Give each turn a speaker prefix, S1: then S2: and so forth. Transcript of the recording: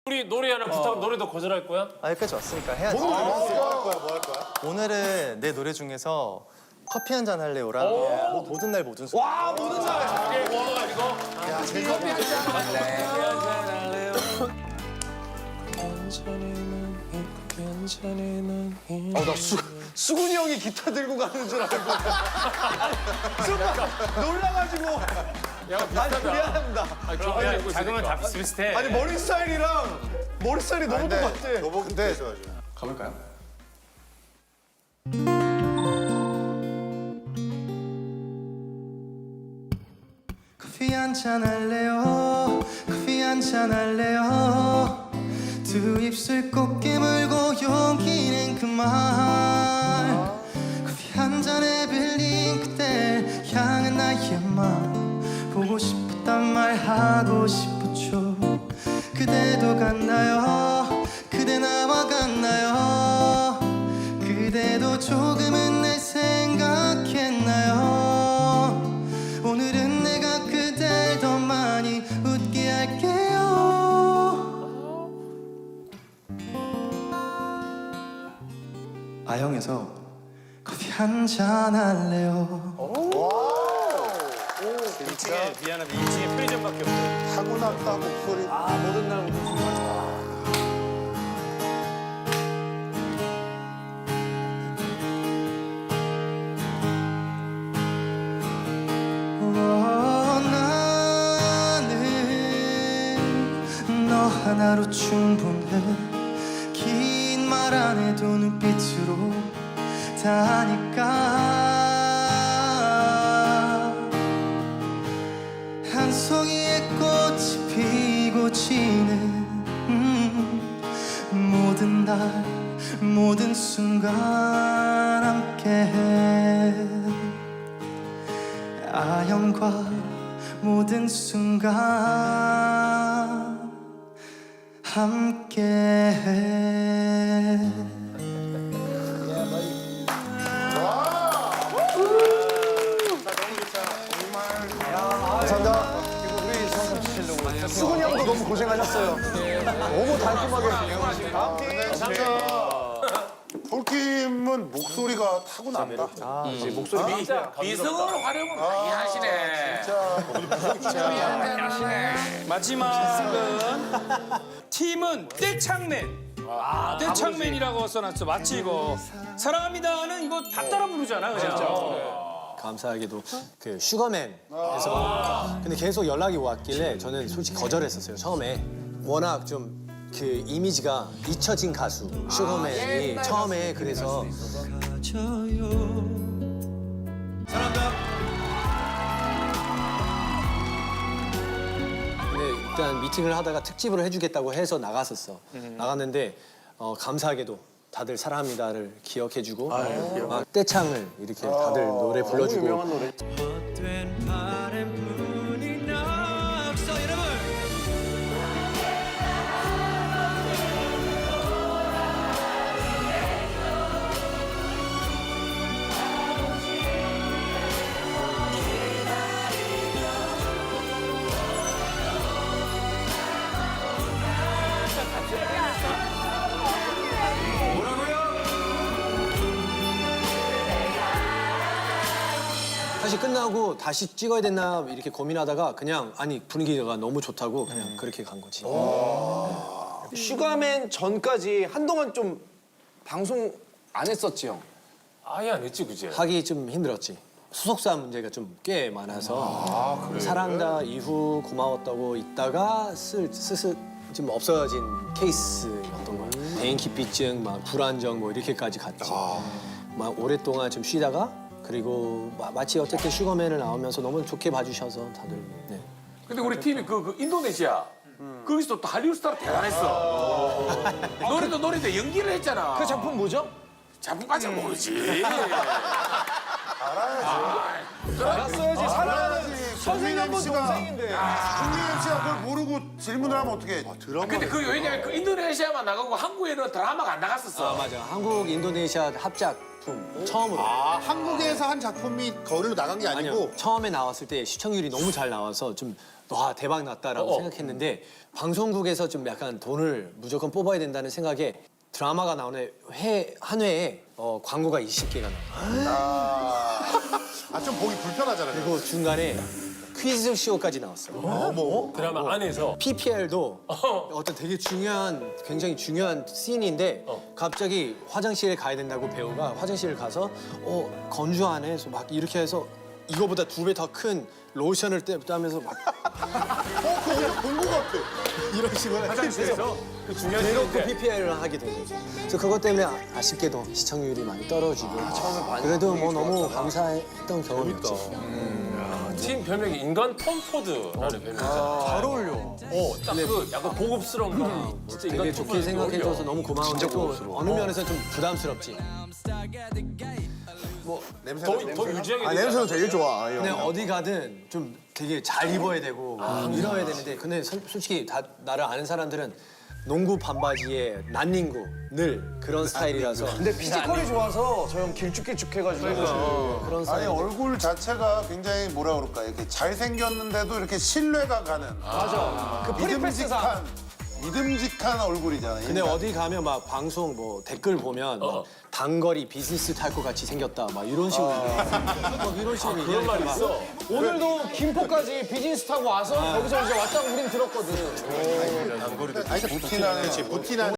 S1: 우리 노래 하나 부탁 노래도 거절할 거야?
S2: 아, 여기까지 왔으니까 해야지.
S3: 뭐 할 거야?
S2: 오늘은 내 노래 중에서 커피 한 잔 할래요랑 뭐 모든 날 모든 순간.
S3: 와, 모든 날. 야, 제 커피 한잔 할래.
S4: 나 수근이 형이 기타 들고 가는 줄 알고. 순간 놀라가지고. 아니, 미안합니다.
S1: 작으면 다 비슷비슷해.
S4: 아니, 머리 스타일이랑 머리 스타일이 너무 똑같아.
S3: 너무 근데
S4: 가볼까요?
S2: 커피 한 잔 할래요. 커피 한 잔 할래요. 두 입술 꼭 깨물고 용기는 그만. 커피 한 잔에 빌린 그댈 향한 나의 마음. 보고 싶었단 말 하고 싶었죠. 그대도 갔나요? 그대 나와 갔나요? 그대도 조금은 날 생각했나요? 오늘은 내가 그댈 더 많이 웃게 할게요. 아영에서 커피 한 잔 할래요.
S1: 진짜 미안하다. 2층에 편의점밖에 없어.
S3: 타고났다 목소리.
S4: 아, 모든 날 모든 순간.
S2: 나는 너 하나로 충분해. 긴 말 안 해도 눈빛으로 다 하니까. 한 송이의 꽃이 피고 지는 모든 날 모든 순간 함께해. 아영과 모든 순간 함께해.
S3: 감사합니다.
S4: 우리 성공 치시려고. 수근이 형도 너무 고생하셨어요. 너무 달콤하게. 다음 팀.
S3: 폴킴은 목소리가 타고난다.
S4: 목소리
S5: 미성으로 활용을 많이 하시네.
S6: 마지막은 팀은 떼창맨. 떼창맨이라고 써놨어. 마치 이거 사랑합니다는 이거 다 따라 부르잖아, 그냥.
S7: 감사하게도 그 슈거맨에서 근데 계속 연락이 왔길래 저는 솔직히 거절했었어요. 처음에 워낙 좀 그 이미지가 잊혀진 가수 슈거맨이 처음에 그래서 근데 일단 미팅을 하다가 특집으로 해주겠다고 해서 나갔었어. 나갔는데 감사하게도 다들 사랑합니다를 기억해주고 막 떼창을 이렇게 다들 노래 불러주고
S4: 유명한 노래.
S7: 사실 끝나고 다시 찍어야 됐나 이렇게 고민하다가 그냥 아니 분위기가 너무 좋다고 그냥 그렇게 간 거지.
S4: 슈가맨 전까지 한동안 좀 방송 안 했었지, 형.
S1: 아예 안 했지, 그지?
S7: 하기 좀 힘들었지. 소속사 문제가 좀 꽤 많아서 사랑다 이후 고마웠다고 있다가 슬슬 좀 없어진 케이스였던 거야. 대인기피증, 막 불안정 뭐 이렇게까지 갔지. 막 오랫동안 좀 쉬다가 그리고 마치 어쨌든 슈거맨을 나오면서 너무 좋게 봐주셔서 다들. 네.
S5: 근데 우리 팀이 그 인도네시아 거기서 또 할리우드 스타로 대단했어. 노래도 연기를 했잖아.
S4: 그 작품 뭐죠?
S5: 작품까지는 모르지.
S4: 알았어야지. 사랑하는 선생님 한 번
S3: 씨가
S4: 동생인데.
S3: 국민 MC가 그걸 모르고 질문을 하면 어떻게? 드라마.
S5: 근데 그 왜냐면 그 인도네시아만 나가고 한국에는 드라마가 안 나갔었어.
S7: 맞아. 한국 인도네시아 합작품 처음으로.
S3: 한국에서 한 작품이 거리로 나간 게 아니고
S7: 아니요. 처음에 나왔을 때 시청률이 너무 잘 나와서 좀 와 대박 났다라고 생각했는데 방송국에서 좀 약간 돈을 무조건 뽑아야 된다는 생각에 드라마가 나오는 한 회에 광고가 20개가 나와요.
S3: 좀 보기 불편하잖아요.
S7: 그리고 중간에 퀴즈 쇼까지 나왔어.
S1: 드라마 안에서
S7: PPL도 어떤 되게 굉장히 중요한 씬인데 갑자기 화장실에 가야 된다고 배우가 화장실을 가서 건조 안에서 막 이렇게 해서 이거보다 2배 더 큰 로션을 따면서 막
S3: 그거 본것 같아.
S7: 이런 식으로
S1: 화장실에서 그 중요한
S7: 대놓고
S1: 시인데
S7: PPL을 하게 된 거죠. 그래서 그것 때문에 아쉽게도 시청률이 많이 떨어지고 그래도 뭐 너무 감사했던 경험이었지.
S1: 팀 별명이 인간 톰 포드라는 별명이잖아.
S7: 잘 어울려.
S1: 딱 그 약간 고급스러운 거. 진짜 인간
S7: 되게
S1: 톰
S7: 좋게
S1: 포드
S7: 생각해줘서 너무 고마운데 또 어느 면에서 좀 부담스럽지.
S1: 더 유지하게 되지
S3: 냄새는
S1: 않아?
S3: 되게 좋아. 이
S7: 근데
S3: 형.
S7: 어디 가든 좀 되게 잘 입어야 되고 이래야 되는데 근데 솔직히 다 나를 아는 사람들은 농구 반바지에 난닝구 늘 그런 스타일이라서
S4: 근데 피지컬이 좋아서 저 형 길쭉길쭉해가지고.
S7: 그런
S3: 아니
S7: 스타일.
S3: 얼굴 자체가 굉장히 뭐라 그럴까 이렇게 잘생겼는데도 이렇게 신뢰가 가는
S4: 맞아. 그 프리패스상.
S3: 믿음직한 얼굴이잖아요.
S7: 근데 어디 가면 막 방송 뭐 댓글 보면 막 단거리 비즈니스 탈 것 같이 생겼다 막 이런 식으로 막 이런 식으로
S1: 그런 말 있어.
S4: 오늘도 김포까지 비즈니스 타고 와서 거기서 이제 왔다고 우린 들었거든.
S3: 아니 부티나는